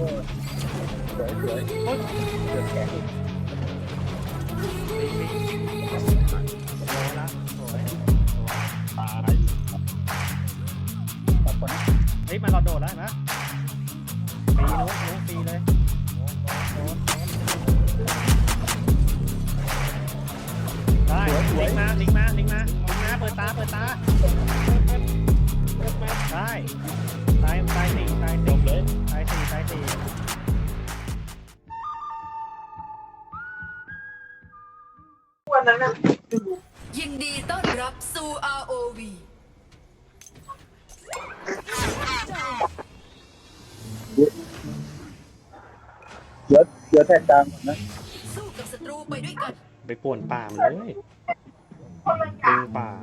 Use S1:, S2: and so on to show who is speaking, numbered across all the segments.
S1: สวยสวยเดือดแข็ง
S2: ละสวย
S1: ตายตัดก่อนนะ
S2: เฮ้ยมันเราโดดแล้วนะปีโน้ตปีเลยได้ลิงมาเปิดตาได้ตายสี่
S3: วันนั้นนะ
S4: ยินดีต้อนรับสู่ ROV
S1: เดี๋ยวแทนกลางก่อนนะ
S4: สู้กับศัตรูไปด้วยกัน
S2: ไปป่วนป่ามันเลยดึงป่า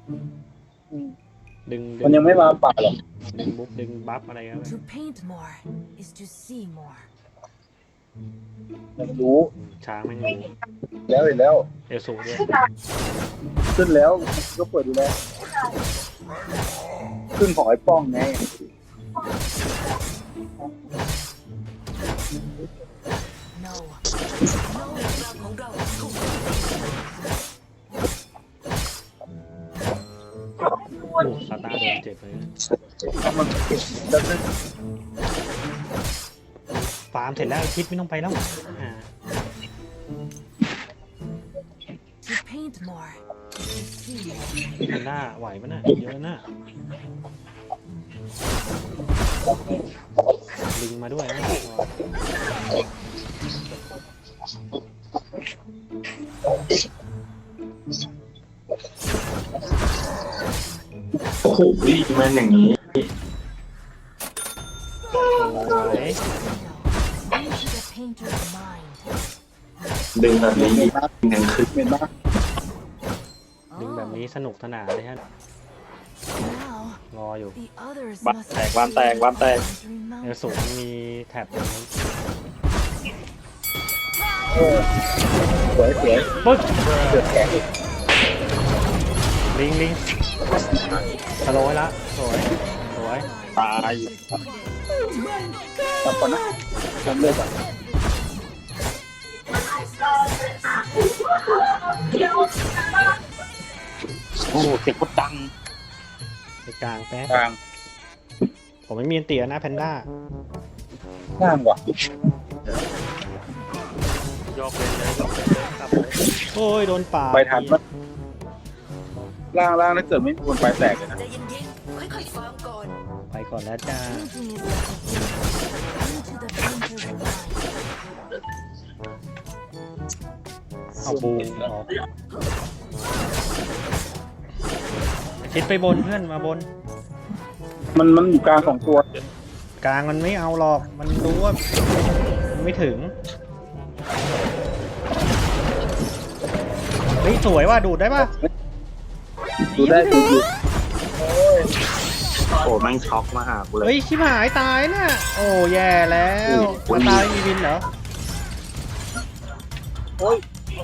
S2: ดึง
S1: มันยังไม่มาป่าหรอก
S2: ดึงบัฟอะไรกัน
S5: To paint more is to see more.
S1: ยังรู้
S2: ช้างมันอยู่
S1: แล้วเห็นแล้ว
S2: เอลสูด้วย
S1: ขึ้นแล้วก็เปิดดูแลขึ้นของไอ้ป้องไง
S5: No.
S4: ของเราถูก
S2: โอ้ซาตาโดนเจ็บเลย
S1: มันจะได้
S2: ฟาร์มเสร็จแล้วคิดไม่ต้องไปแล้ว
S5: To paint more is to see more.
S2: มันหน้าไหวปะน่ะเยอะน่ะลิงมาด้วยนะ
S6: โอ้โหมันอย่างนี้
S2: โอ้ย
S5: Into the painter's mind.
S6: ดึงแบบนี้อีกหนึ่งคือ
S1: เห็นไหม
S2: ดึงแบบนี้สนุกสนานเลยฮะ
S5: Now
S2: รออยู่
S5: the others
S1: บ้าน
S5: must
S1: แตกบ้านแตกบ้านแตก
S2: เอล
S5: remember.
S2: สูมีแท็บอยู่นั้น
S1: สวยสวย
S2: ปึ๊บ
S1: เดือดแข็ง
S2: ลิงสโลว์ละสวย
S1: ตายตัดก่อนนะทำเลยก่อนโอ้เสียงโคตรดัง
S2: ไปกลางแป๊บ
S1: กลาง
S2: ผมไม่มีอันเตียนะแพนด้า
S1: ง่ามว่ะ
S2: ยกเลยครับโอ้ยโดนป่า
S1: ไปทันมั้ยล่างถ้าเกิดไม่มีคนไปแตกเลยนะ
S4: ใจเย็นๆค่อยๆฟังก่อน
S2: ไปก่อนแล้วจ้า
S5: Painting is like a game. Into the painter's mind.
S2: เอาบูออกคิดไปบนเพื่อนมาบน
S1: มันอยู่กลางสองตัว
S2: กลางมันไม่เอาหรอกมันรู้ว่ามันไม่ถึงเฮ้ยสวยว่ะดูดได้ป่ะ
S1: ดูได้ดูอยู่
S6: โอ้แม่งช็อกมาหากูเลย
S2: เฮ้ยชิบหายตายน่ะโอ้แย่แล้วมาตายมีวินเหรอ
S1: โอ้ย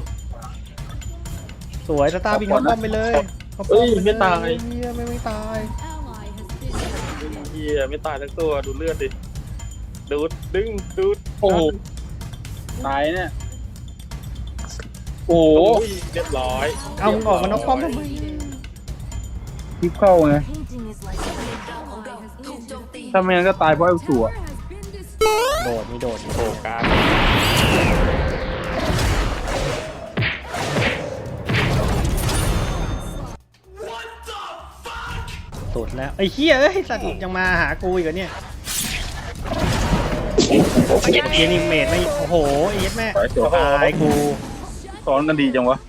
S2: สวยสตาร์บินเขาป้อมไปเลยเขาป้อมปเลย
S1: ไม่ตาย
S2: เฮียไม่ตาย
S1: เฮียไม่ตายทั้งตัวดูเลือดดิดูดดึงดูดโอ้โหตายเนี่ยโอ้เรียบร้อย
S2: เอามึงออกมานอกป้อมทำไม
S1: ทิปเข้าไง
S5: Painting is like a
S4: ของเราถูกโจมตี
S1: ถ้าไม่งั้นก็ตายเพราะไอ้สัว
S2: โดดมีโดดโผกลางสุดแล้วไอ้เหี้ยเอ้ยสัตว์ยังมาหากูอีกเหรอเนี่ยเอ็นนิเมตไม่โอ้โหเอ็ดแม่ตายกู
S1: สอนกันดีจังวะ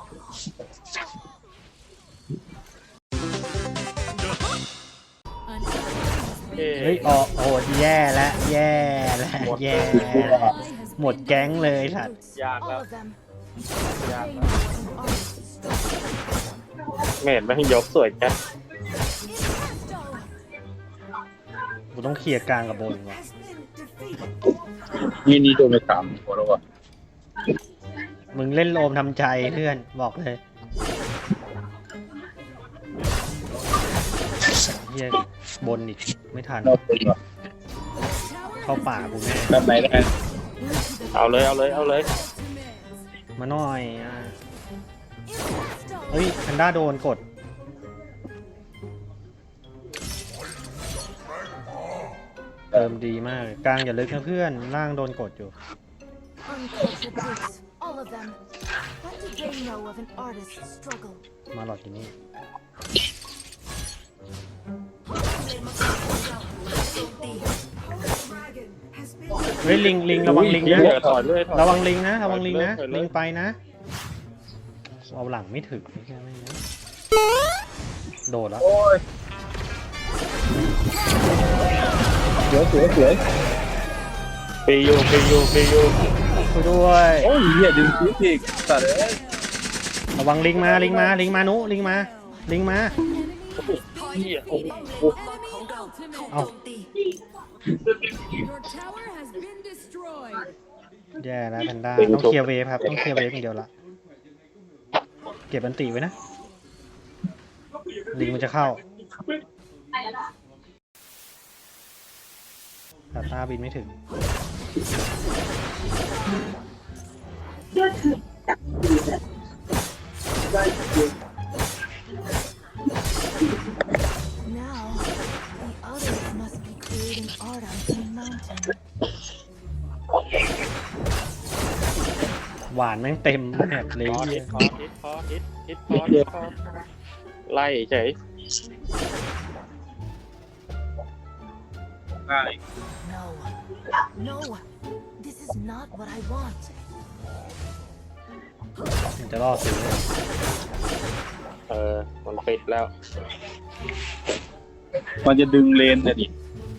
S2: เฮ้ยออกโอ้โหแย่แล้วแย่แล้วแย่แล้วหมดแก๊งเลยสัตว์
S1: ยาก
S5: all
S1: แล้ว
S5: of them.
S1: ยาก
S5: They
S1: แล้ว
S5: know an artist's
S1: เมดไม่ให้ยกสวยแค่
S2: กูต้องเคลียร์กลางกับบนว่ะ
S1: นี่โดนไปสามหัวแล้ววะ
S2: มึงเล่นโอมทำใจเพื่อนบอกเลยเฮียบนอีกไม่ทัน
S1: เราเป็นวะ
S2: เข้าป่ากูแน่
S1: แบบไหนได้เอาเลยเอาเลยเอาเลย
S2: มาหน่อยเฮ้ยแพนด้าโดนกดเติมดีมากกลางอย่าลึกนะเพื่อนล่างโดนกดอยู่
S5: Uncultured brutes, all of them. What do they know of an artist's struggle?
S2: มาหลอดที่นี่
S4: เลนมังกรของเราถูกโจมตี
S2: เฮ้ยลิงระวังลิง
S1: เหี้
S2: นะ
S1: ยถอยเลยถอย
S2: ระวังลิงนะระวังลิงนะ
S1: ถอยเลย
S2: ลิงไปนะเอาหลังไม่ถึงไม่ใช่ไหมนะโดดแล้ว
S1: สวยปีอยู่ปีอยู่ปีอยู่
S2: ช่วยด้วย
S1: โอ้ยเหี้ยดึงคิดอีกสัตว์เอ้ย
S2: ระวังลิงมาลิงมาลิงมานุลิงมาลิงมา
S1: เหี้ยโอ้โห
S4: เลนมังกรของเราถูกโจมตี
S5: Your tower has been destroyed.
S2: แย่แล้วแพนด้าต้องเคลียร์เวฟครับต้องเคลียร์เวฟอย่างเดียวละเก็บอันติไว้นะลิงมันจะเข้าแต่ตาบินไม่ถึง
S5: Now, the others must be creating art on Green Mountain.
S2: หวานแม่งเต็มแมปเลย
S1: คอ
S2: เหี้
S1: ฮิ
S2: ย
S1: ตคอฮิตคอฮิตฮิตคอฮิตคอไล่เฉย
S5: No. No. This is not what I want.
S2: มันจะล่อซื้อ
S1: มันปิดแล้ว
S7: มันจะดึงเลนแต่ดิ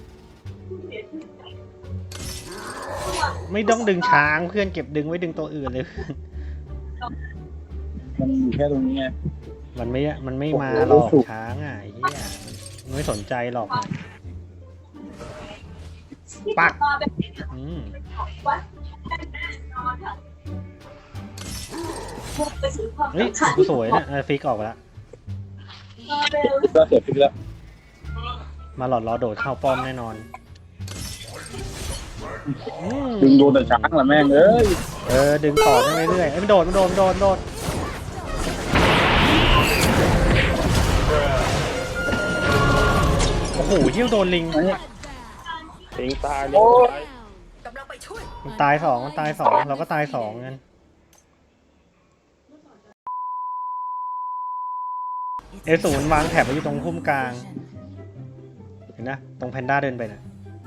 S2: ไม่ต้องดึงช้างเพื่อนเก็บดึงไว้ดึงตัวอื่นเลย
S7: มันอยู่แค่ตรงนี้ไง
S2: มันไม่มาหรอกช้างอ่ะไอ้เหี้ยมันไม่สนใจหรอกปักเฮ้ยสวยนะฟิกออกไปแล้ว
S7: ก็เสร็จพิกแล้ว
S2: มาหลอดล้อโดดเข้าป้อมแน่นอน
S7: ดึงโดนแต่ช้างละแม่งเอ้ย
S2: ดึงต่อได้เรื่อยๆมันโดดโอ้โหเยี่ยวโดนลิง
S1: สิงตายเลย
S4: กำลังไปช่วย
S2: มันตายสองเราก็ตายสองกันศูนย์วางแถบไว้อยู่ตรงพุ่มกลางเห็นนะตรงแพนด้าเดินไปนะ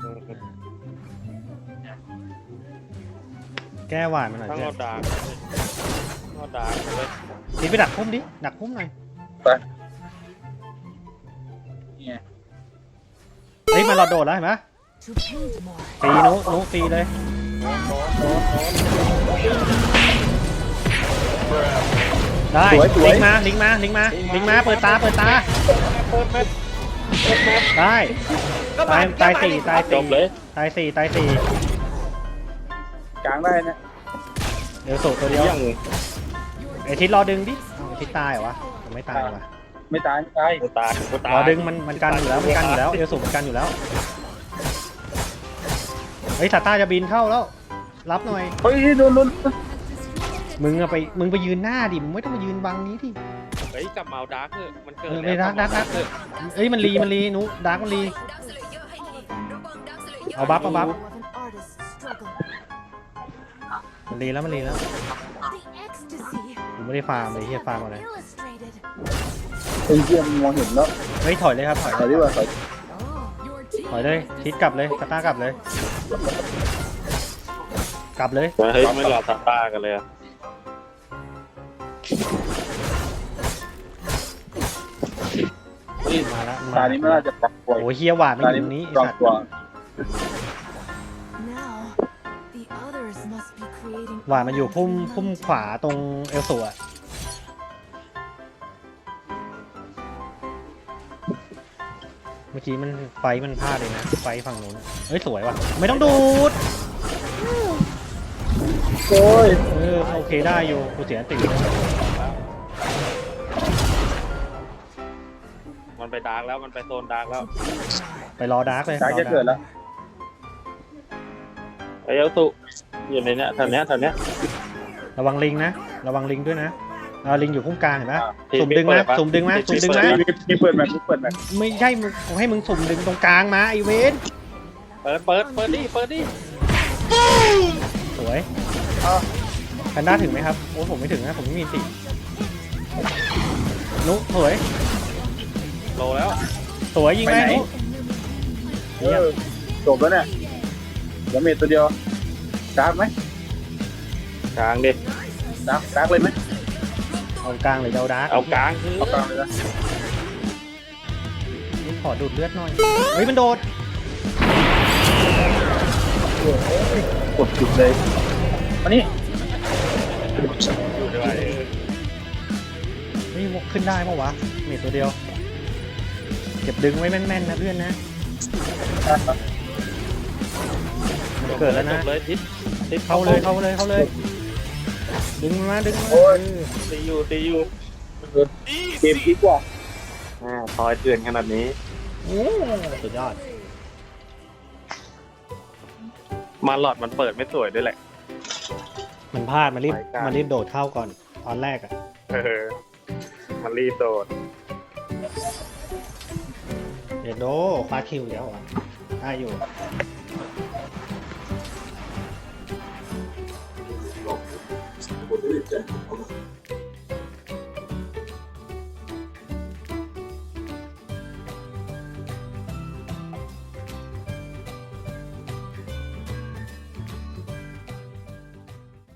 S2: แก้หวานมันหน่อย
S1: ต้อง
S2: เพื่อ
S1: เอา
S2: น
S1: ดาร์กเอาดาร์กเลย
S2: ทีไปดักพุ่มดิดักพุ่มหน่อย
S7: นี่ไง
S2: เฮ้ยมาหลอดโดดแล้วเห็นไหม
S5: To paint more.
S2: ปีนุปีเลยได้ลิงมาเปิดตาได้ตายสี่
S1: จบเลย
S2: ตายสี่
S7: กลางได้นะ
S2: เดี๋ยวสูตัวเดียว
S1: เยี่ยง
S2: ไอทิศรอดึงดิไอทิศตายเหรอวะไม่ตายวะ
S7: ไม่ตาย
S1: กูตายกูตาย
S2: รอดึงมันกันอยู่แล้วเอลสูมันกันอยู่แล้วเฮ้ยซาต้าจะบินเข้าแล้วรับหน่อย
S7: เฮ้ยโดน
S2: มึงไปยืนหน้าดิมึงไม่ต้องมายืนบังนี้ดิ
S1: เฮ้ยกลับมาเอาดาร์กเถอะมันเกิด
S2: ไม่ดักเอ้ยมันรีนุดักมันรี
S4: ดักสเลเยอร์ให้ทีระวังดักสเลเยอร์
S2: เอาบัฟ
S5: Of an artist's struggle.
S2: มันรีแล้ว
S5: The ecstasy.
S2: กูไม่ได้ฟาร์มเลยเฮียฟาร์มอะไร
S5: Illustrated.
S7: ไอ้เหี้ยมองเห็นแล้ว
S2: เฮ้ยถอยเลยครับถอย
S7: ถอยดีกว่าถอย
S5: Your team
S2: ถอยเลยทิศกลับเลยซาต้ากลับเลย
S1: เฮ้ยไม่รอซาต้ากันเลยอะ
S2: มาแล้ว
S7: ตานี้ไม่น่าจะปรับตัว
S2: โอ้ยเฮียหวานไม่อยู่ตรงนี้ไอ้
S7: ปรับ
S2: สัตว์
S7: ตัว
S5: now. The others must be creating.
S2: หวานมันอยู่
S5: art
S2: พุ่ม
S5: on Green
S2: พุ่ม
S5: Mountain.
S2: ขวาตรงเอลสูอะเมื่อกี้มันไฟมันพลาดเลยนะไฟฝั่งนู้นอะเฮ้ยสวยว่ะไม่ต้องดูด
S7: โอ้ย
S2: โอเคได้อยู่กูเสียติ
S1: มันไปดาร์กแล้วมันไปโซนดาร์กแล้ว
S2: ไปรอดาร์กเลย
S7: ช้างจะเกิดแล้ว
S1: ไอ้เอลตุอยู่ในเนี้ยแถวเนี้ย
S2: ระวังลิงนะระวังลิงด้วยนะลิงอยู่พุ่งกลางเห็นปะ
S1: ที่
S2: สุ่มดึงนะ
S1: เปิดปะ
S2: สุ่มดึงนะ
S1: ที่
S2: สุ่มดึงนะ
S1: เปิด
S7: มีเปิดแบบมีเปิดแบบ
S2: ไม่ใช่มึงผมให้มึงสุ่มดึงตรงกลางมาไอเวน
S1: เปิดดิ
S2: สวยแพนด้าถึงไหมครับโอ้ผมไม่ถึงนะผมไม่มีตินุสวย
S1: โลแล้ว
S2: สวยยิงไหมนุ
S7: จบแล้วเนี่ยเดี๋ยวเมทตัวเดียวดาร์กไหม
S1: กลางดิ
S7: ดาร์กเลยไหม
S2: เอากลางหรือเอาดาร์ก
S1: เอากลางคือ
S7: เอากลางเลยนะ
S2: ขอดูดเลือดหน่อยเฮ้ยมันโดด
S7: กดจุดเลยอันนี้
S1: อยู่ด้วย
S2: เฮ้ยขึ้นได้ปะวะเมทตัวเดียวเก็บดึงไว้แม่นๆนะเพื่อนนะมันเกิดแล้วนะ
S1: จบเลยทิศ
S2: เข้าเลยดึงมันมาดึงมันมา
S1: ตีอยู่
S7: เกมดีกว่า
S1: ซอยเถื่อนขนาดนี้
S2: สุดยอด
S1: มาหลอดมันเปิดไม่สวยด้วยแหละ
S2: มันพลาดมันรีบ
S1: ไปกลาง
S2: มันรีบโดดเข้าก่อนตอนแรกอ่ะ
S1: มันรีบโดด
S2: เดี๋ยวโดคว้าคิวเดี๋ยวอ่ะได้อยู่